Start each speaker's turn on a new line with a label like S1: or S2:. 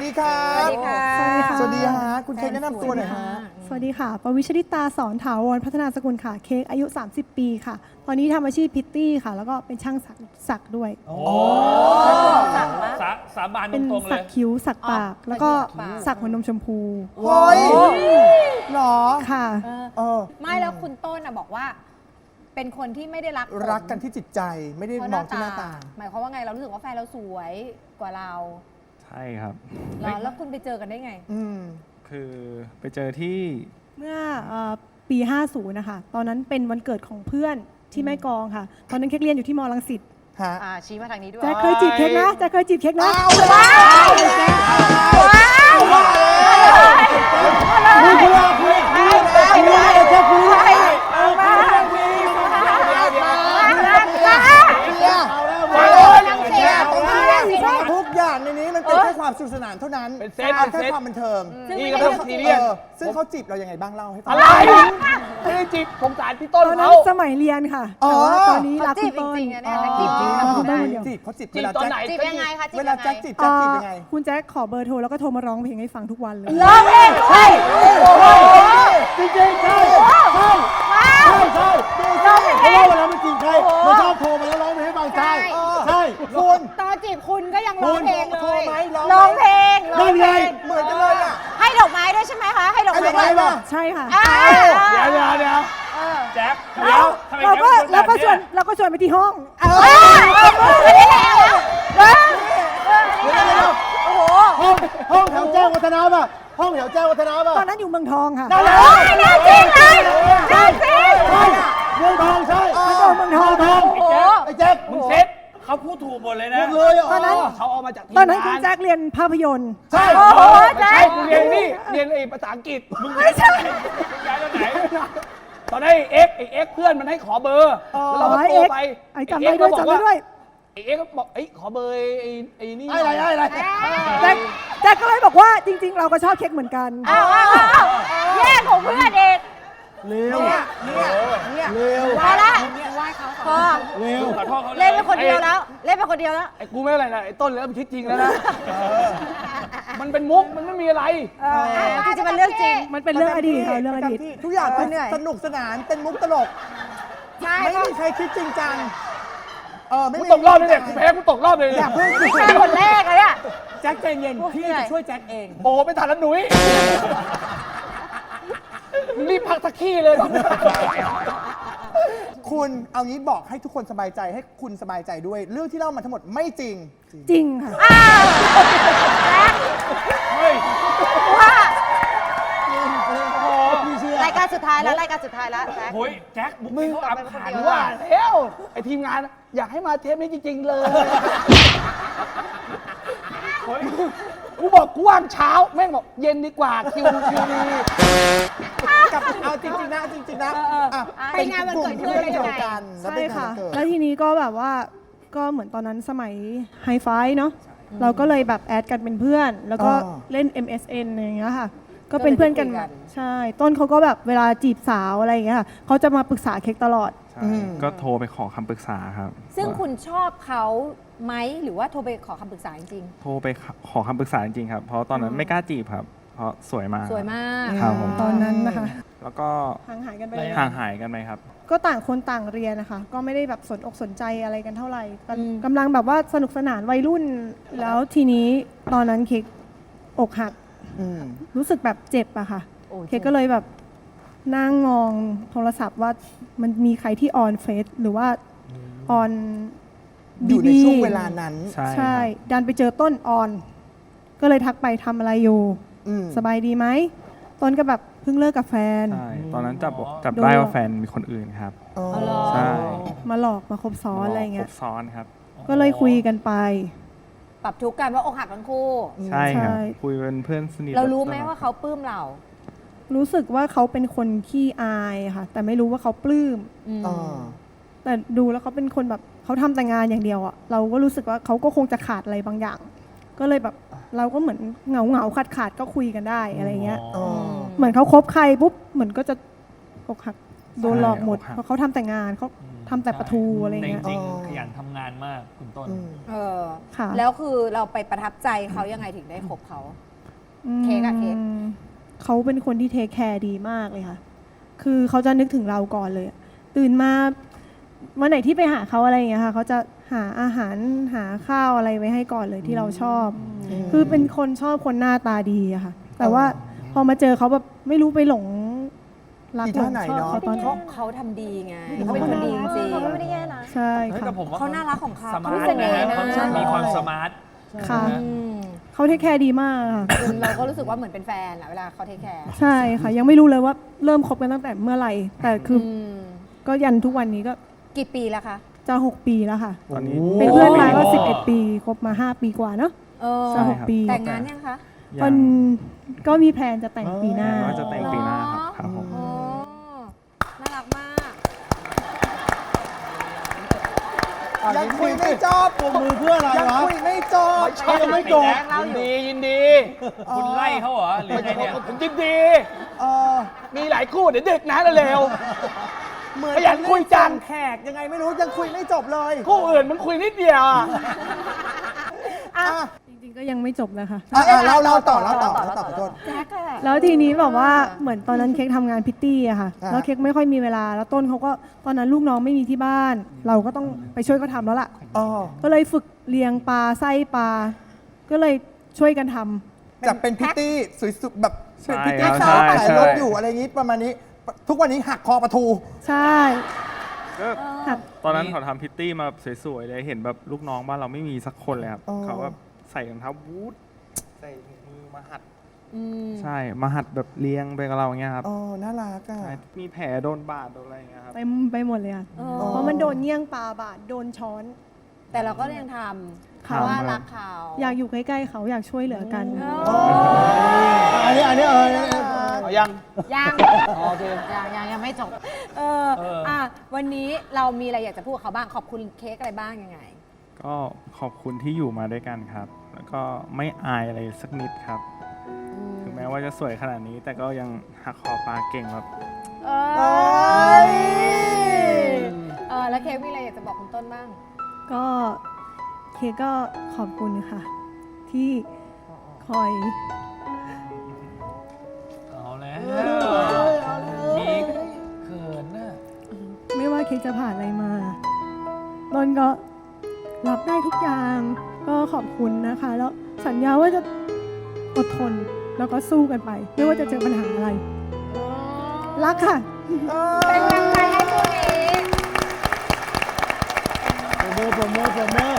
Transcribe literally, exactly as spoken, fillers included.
S1: ดีครับ
S2: สวัสดีค่ะ
S1: สวัสดีฮะคุณเค้กแนะนำตัวหน่อยฮะ
S3: สวัสดีค่ะปวิชริตาสอนถาวรพัฒนาสกุลค่ะเค้กอายุสามสิบปีค่ะตอนนี้ทำอาชีพพิตตี้ค่ะแล้วก็เป็นช่างสักสักด้วย
S4: โอ้
S2: สั่งปะ
S4: สาสาบานต
S3: เป็น
S4: รงๆเล
S3: สัก
S4: ย
S3: คิ้วสักปาก
S2: อ๋อ
S3: แล้วก็
S2: สักปาก
S3: สักหัวนมชมพู
S1: โอ้ยหรอ
S3: ค่ะ
S1: เออ
S2: ไม่แล้วคุณต้นน่ะบอกว่า เป็นคนที่ไม่ได้รักผม
S1: รักกันที่จิตใจไม่ได้
S2: เพราะ
S1: มองที่หน้าตา
S2: หมายความว่าไงเรารู้สึกว่าแฟนเราสวยกว่าเรา
S5: ใช่ครับ
S2: เหรอแล้วคุณไปเจอกันได้ไง
S1: อืม
S5: คือไปเจอที่
S3: เมื่อเอ่อปี ห้าสิบ นะคะ ตอนนั้นเป็นวันเกิดของเพื่อนที่แม่กลองค่ะ ตอนนั้นเค้กเรียนอยู่ที่มอลังสิต
S1: ฮะ
S2: อ่าชี้มาทางนี้ด้วย
S3: แจ๊คเคยจีบเค้กนะแจ๊คเคยจีบเค้กนะ
S1: เอาว้าวว้าวว้าวคุยคุยคุยคุยคุยเลยจะคุยเลยเอามาทุกอย่างในนี้มันเป็นแค่ความสนุกสนานเท่านั้น
S4: เป็นเซต
S1: เอา
S4: เป็น
S1: แค่
S4: เซต
S1: ความบันเทิง
S4: นี่ก็ต้องซีเรียส
S1: เออซึ่งเขาจีบเรายังไงบ้างเล่าให้ฟัง
S4: อะไรไม่ได้จีบสงสารพี่ต้
S3: ต
S4: น
S3: อนนั้
S4: เขา
S3: นสมัยเรียนค่ะ
S1: อ๋อ
S3: แต่ว่าตอนนี้รัก
S2: จี
S3: คุ
S2: บ
S3: ณ
S2: จ
S3: ต้น
S2: ริงๆอะเนี่ยแต่จีบจริง
S3: อ๋อ
S2: ทำได้
S1: จีบเขาจีบ
S4: จี
S1: เว
S4: บ
S1: ลา
S4: ตอน
S1: แจ็ค
S4: ไหน
S2: จีบยังไงคะจีบ
S1: เว
S2: ยั
S1: ลาง
S2: ไง
S1: แจ็คจีบแจ็คจีบยังไง
S3: คุณแจ๊คขอเบอร์โทรแล้วก็โทรมาร้องเพลงให้ฟังทุกวันเลย
S2: ร้องเพลงด้วย
S1: จริงจริงใช่ใช่ใช่ใช่เพราะว่าเวลามันจีบใครมันชอบโทรมาแล้วร้องเพลงให้ฟังใช่ใช่คุณ
S2: ตอนจีบคุณก็ยังร้องเพลงเล
S1: โทร
S2: ย
S1: ไหมร้
S2: ร้
S1: อ
S2: อง ง
S1: ไหม
S2: เพลงร้
S1: นั่
S2: อง
S1: น
S2: เพ
S1: ไง
S2: ลง
S1: เหมือนกันเลยอ่ะ
S2: ให้ดอกไม้ด้วยใช่ไหมคะ ให้ดอก
S1: ไอ้
S2: ไม้
S1: ดอกไม้
S2: ด้วย
S1: ป่ะ
S3: ใช่ค่ะ
S2: อ่า
S4: เดี๋ยวเดี๋ยวเดี๋ยว
S2: เออ
S4: แจ็คเดี๋ยวทำไม
S3: เรา
S4: แจ็ค
S3: ก็
S4: เป็นคนแบ
S3: เรา
S4: บ
S3: ก็ชว
S4: เนี้
S3: น
S4: ย
S3: เราก็ชวนไปที่ห้อง
S2: เออไม่ได้แล้วเออโอ้โห
S1: ห้องห้องแถวแจ้งวัฒนะป่ะห้องแถวแจ้งวัฒนะป่ะ
S3: ตอนนั้นอยู่เมืองทองค่ะ
S1: นั่นแหละ
S2: โอ้ยน่าจริงเลยน่าจริง
S1: ใช่เมืองทองใช่
S3: เมืองทอง
S1: เมืองทอง
S2: โอ้โห
S1: ไอ้แจ็ค
S4: มึงเซ็ตเขาพูดถูกหมดเลยนะ
S1: พูดเลยอ่ะ
S3: ตอนนั้น
S4: เขาเอามาจากทีม
S3: ตอนนั้นคุณ
S4: งาน
S3: แจ็คเรียนภาพยนตร์
S1: ใช่
S2: โอ้โห
S4: ไม่ใช่กูเรียนนี่เรียนไอ้ภาษาอังกฤษมึงไม่ใช่ย้ายตอนไหนตอนนั้นไอ้เอ็กไอ้เอ็กเพื่อนมันให้ขอเบอร์แล้วเราก็โทรไป
S3: ไอ้จำได้ด้วยจำได้ด้วย
S4: ไอ้เอ็กก็บอกไอ้ขอเบอร์ไอ้ไอ้นี่
S1: ไอ้อะไรไอ้อะไร
S3: แจ็คแจ็คก็เลยบอกว่าจริง ๆ เราก็ชอบเค้กเหมือนกัน
S2: อ้าวอ้าวอ้าวแย่งของเพื่อนเอง
S1: เร็วเร็ว
S2: พอละพอ
S1: เร็ว
S4: ขอโทษเขา
S2: เล่นเป็นคนเดียวแล้ว เล่นเป็นคนเดียวแล้ว
S4: ไอ้กูไม่อะไรนะไอ้ต้นเริ่มคิดจริงแล้วนะมันเป็นมุกมันไม่มีอะไร
S2: เออจริงๆมันเรื่องจริง
S3: มันเป็นเรื่องอดีตค่ะเรื่องอดีต
S1: ทุกอย่างเป็น
S2: เหนื่อย
S1: สนุกสนานเป็นมุกตลก
S2: ใช่
S1: ไม่
S2: ก็
S1: มีใครคิดจริงจังเออไม่
S4: กู
S1: มี
S4: ตกรอบเลยเนี่ยกูแพ้กูตกรอบเลย
S1: อย่าเพิ่ง
S2: ไม่ใช่คนแรกเลยอะ
S1: แจ็คใจเย็นพี่
S2: เหนื่อย
S1: จะช่วยแจ็คเอง
S4: โอ้ไม่ทันแล้วหนุ่ยรีบพักสักขี้เลย
S1: คุณเอางี้บอกให้ทุกคนสบายใจให้คุณสบายใจด้วย เรื่องที่เล่ามาทั้งหมดไม่จริง
S3: จริงค่ะ
S2: อ้าว
S4: เฮ้ย
S2: ว่า
S1: พี่เชื่อ
S2: รายการสุดท้ายแล้วรายการสุดท้ายแล้วแจ็ค
S4: โอ้ยแจ็คบุก
S1: มึง
S4: เขาอับขัน
S2: เออ
S4: ว่าแล้วไอ้ทีมงานอยากให้มาเทปนี้จริง ๆ เลยเฮ้ยกูบอกกูว่างเช้าแม่งบอกเย็นดีกว่าคิวคิวดี
S1: กับเอาจริงๆนะจริงๆนะอ่ะ
S2: ไปงานวันเกิดเพื่อนเป็นยังไง
S1: กันแล้ว
S3: ใช่
S1: เป็นงาน
S3: ค่ะ
S1: วันเกิด
S3: แล้วทีนี้ก็แบบว่าก็เหมือนตอนนั้นสมัยไฮไฟเนาะเราก็เลยแบบแอดกันเป็นเพื่อน แล้วก็เล่น เอ็ม เอส เอ็น อะไรอย่างเงี้ยค่ะ ก็เป็นเพื่อนกัน
S2: ก็เลยไปคุยกัน
S3: ใช่ ต้นเขาก็แบบเวลาจีบสาวอะไรอย่างเงี้ยค่ะเขาจะมาปรึกษาเค้กตลอด
S5: ใช่ก็โทรไปขอคำปรึกษาครับ
S2: ซึ่ง
S5: ว่า
S2: คุณชอบเขาไหมหรือว่าโทรไปขอคำปรึกษาจริง
S5: โทรไปขอคำปรึกษาจริงๆครับ เพราะตอนนั้นไม่กล้าจีบครับ เพราะสวยมาก
S2: ๆ สวยมาก
S5: ครับผม
S3: ตอนนั้นนะคะ
S5: แล้วก็
S3: ห่างหายกันไปเลย
S5: ห่างหายกันไหมครับ
S3: ก็ต่างคนต่างเรียนนะคะ ก็ไม่ได้แบบสนอกสนใจอะไรกันเท่าไหร่ก็
S2: อืม
S3: กำลังแบบว่าสนุกสนานวัยรุ่น แล้วทีนี้ตอนนั้นเค้กอกหัก
S1: อืม
S3: รู้สึกแบบเจ็บอะค่ะ
S2: โอ้ย
S3: เค้กก็เลยแบบนั่งมองโทรศัพท์ว่ามันมีใครที่ออนเฟซหรือว่าออน
S1: อยู่ในช่วงเวลานั้น
S5: ใช่
S3: ใช่
S5: ครับ
S3: ดันไปเจอต้นออน ก็เลยทักไปทำอะไรอยู่
S1: อืม
S3: สบายดีไหมต้นก็แบบเพิ่งเลิกกับแฟน
S5: ใช่ ตอนนั้นจับจับ
S3: โดน
S5: ได้ว่าแฟนมีคนอื่นครับ
S1: อ๋อ
S2: อ๋อเหรอ
S5: ใช่
S3: มาหลอกมาคบซ้อนอะไร
S5: คร
S3: เงี้
S5: บ
S3: ย
S5: ซ้อนครับ
S3: ก็เลยคุยกันไป
S2: ปรับทุกข์กันว่าอกหักทั้งคู่
S5: ใช่ครับ
S3: ใช่
S5: คุยเป็นเพื่อนสนิท
S2: เรารู้ไหม
S5: ตลอด
S2: ว่าเขาปลื้มเรา
S3: รู้สึกว่าเขาเป็นคนขี้อายค่ะ แต่ไม่รู้ว่าเขาปลื้ม
S2: อืม
S1: อ๋อ
S3: แต่ดูแล้วเขาเป็นคนแบบเขาทำแต่งานอย่างเดียวอะเราก็รู้สึกว่าเขาก็คงจะขาดอะไรบางอย่าง ก็เลยแบบเราก็เหมือนเหงาเหงาขาดขาดๆก็คุยกันได้อะไรเงี้ย
S1: อ๋อ
S3: เหมือนเขาคบใครปุ๊บเหมือนก็จะอกหักโดนหลอกหมด
S5: ใช่อกหัก
S3: เพราะเขาทำแต่งานเขาทำแต่ปลาทูอะไร
S6: แต่จ
S3: เงี้ย
S6: ริงๆขยันทำงานมากคุณต้น
S1: อืม
S2: เออ
S3: ค่ะ
S2: แล้วคือเราไปประทับใจเขายังไงถึงได้คบเขา เค้กอะเค้ก
S3: อืมเขาเป็นคนที่เทคแคร์ดีมากเลยค่ะ คือเขาจะนึกถึงเราก่อนเลยอะตื่นมาวันไหนที่ไปหาเขาอะไรอย่างเงี้ยค่ะเขาจะหาอาหารหาข้าวอะไรไว้ให้ก่อนเลยที่เราชอบ คือเป็นคนชอบคนหน้าตาดีอะค่ะ แต่ว่าพอมาเจอเขาแบบไม่รู้ไปหลงรัก
S1: อี
S3: หล
S1: ท่าง ไหน
S3: ชอบ
S1: เนอะ
S3: เขาตอน
S2: เขาเขาทำดีไงเขาเป็นคนดีจริง
S7: เขาก็ไม่ได้แย่นะ
S3: ใช่
S6: เฮ้ย
S3: ค่ะ
S6: แต่ผมว่า
S2: เขาน่ารักของเขา
S6: สมา
S2: เขา
S6: ร์ท
S2: เส
S6: นะ
S2: น่ห์
S6: ฮะ
S2: นะ
S6: เขามีความสมาร์ท
S3: ค่ะ
S2: อืม
S3: เขาเทคแคร์ดีมากค่ะ
S2: จนเราก็รู้สึกว่าเหมือนเป็นแฟนอะเวลาเขาเทคแคร์
S3: ใช่ค่ะ ยังไม่รู้เลยว่าเริ่มคบกันตั้งแต่เมื่อไหร่ แต่คืออ
S2: ม
S3: ก็ยันทุกวันนี้ก็
S2: กี่ปีแล้วคะ
S3: จะหกปีแล้วค่ะ
S5: ตอนนี้
S3: เป็นเพื่อนมาก็สิบเอ็ดปีคบมาห้าปีกว่าเนาะ
S2: เออ
S3: จะหกปี
S2: แต่งงานยังคะ
S5: ยั
S3: มัน
S5: ง
S3: ก็มีแพลนจะแต่งปีหน้า
S5: ว่าจะแต่งปีหน้าครับครับผม
S2: โอ้น่ารักมาก
S1: ยังคุยไม่จบปรบมือเพื่ออะไร
S2: ยัง
S1: วะ
S2: คุยไม่จบ
S1: เขายังไม่จบ
S4: ยินดียินดี
S6: คุณไล่เขาเหรอ หรือไงเนี่ย
S4: ผมยินดี
S1: เออ
S4: มีหลายคู่เดี๋ยวดึกนะเร็ว
S1: เหมือน
S4: ขยันคุยจัง
S1: แขกยังไงไม่รู้ยังคุยไม่จบเลย
S4: คู่อื่นมันคุยนิดเดียวอะ
S1: อ่ะ
S3: จริงๆก็ยังไม่จบนะคะ
S1: อ่ะอ่ะเราเราต่อเราต่อเราต่อขอโทษ
S2: แจ็คอะ
S3: แล้วทีนี้แบบว่าเหมือนตอนนั้นเค้กทำงานพิตตี้อะค่ะ
S1: อ่า
S3: แล้วเค้กไม่ค่อยมีเวลา แล้วต้นเขาก็ตอนนั้นลูกน้องไม่มีที่บ้าน เราก็ต้องไปช่วยเขาทำแล้วล่ะ
S1: อ๋อ
S3: ก็เลยฝึกเลี้ยงปลาไส้ปลา ก็เลยช่วยกันทำ
S1: จากเป็นพิตตี้สวยสุดแบบ
S5: ใช่
S1: เป็นพิตตี้
S5: ครับ
S1: สาว
S5: ใช่
S1: ขาย
S5: ใช่
S1: รถอยู่อะไรอย่างนี้ประมาณนี้ ทุกวันนี้หักคอปลาทู
S3: ใช่
S5: ก็
S3: ค่ะ
S5: ตอนนั้นเขาทำพิตตี้มาสวยๆเลยเห็นแบบลูกน้องบ้านเราไม่มีสักคนเลยครับ
S1: อ๋อ
S5: เขาแบบใส่รองเท้าบูทใส่ถุงมือมาหัด
S2: อืม
S5: ใช่มาหัดแบบเลี้ยงไปกับเราอย่างเงี้ยครับ
S1: อ๋อน่ารักอ่ะ
S5: ใช่มีแผลโดนบาดโดนอะไรอย่างเงี้ยครับ
S3: เต็มไปหมดเลยค่ะ
S2: เออ
S3: เพราะมันโดนเงี้ยงปลาบาด โดนช้อน
S2: แต่เราก็ยังทำเพราะว่ารักเขา
S3: อยากอยู่ใกล้ๆเขาอยากช่วยเหลือกัน
S2: เออ
S1: อันนี้อันนี้เออเนี่ยเนี่ย
S4: เอายัง
S2: ยัง
S4: อ๋อโอเค
S2: ยังยังยังไม่จบ เออ
S4: เอออ่
S2: อ่ะวันนี้เรามีอะไรอยากจะพูดกับเขาบ้าง ขอบคุณเค้กอะไรบ้างยังไง
S5: ก็ขอบคุณที่อยู่มาด้วยกันครับ แล้วก็ไม่อายอะไรสักนิดครับ ถึงแม้ว่าจะสวยขนาดนี้ แต่ก็ยังหักคอปลาเก่งแบบ
S2: เออเออแล้วเค้กมีอะไรอยากจะบอกคุณต้นบ้าง
S3: ก็เค้กก็ขอบคุณค่ะ ที่คอย
S6: เอาแล้วมีเขินน่ะ
S3: ไม่ว่าเค้กจะผ่านอะไรมาต้นก็รับได้ทุกอย่าง ก็ขอบคุณนะคะ แล้วสัญญาว่าจะอดทน แล้วก็สู้กันไป ไม่ว่าจะเจอปัญหาอะไร รักค่ะ
S2: เป็นกำลังใจให้คู่นี้
S1: ปรบมือปรบมือปรบมือ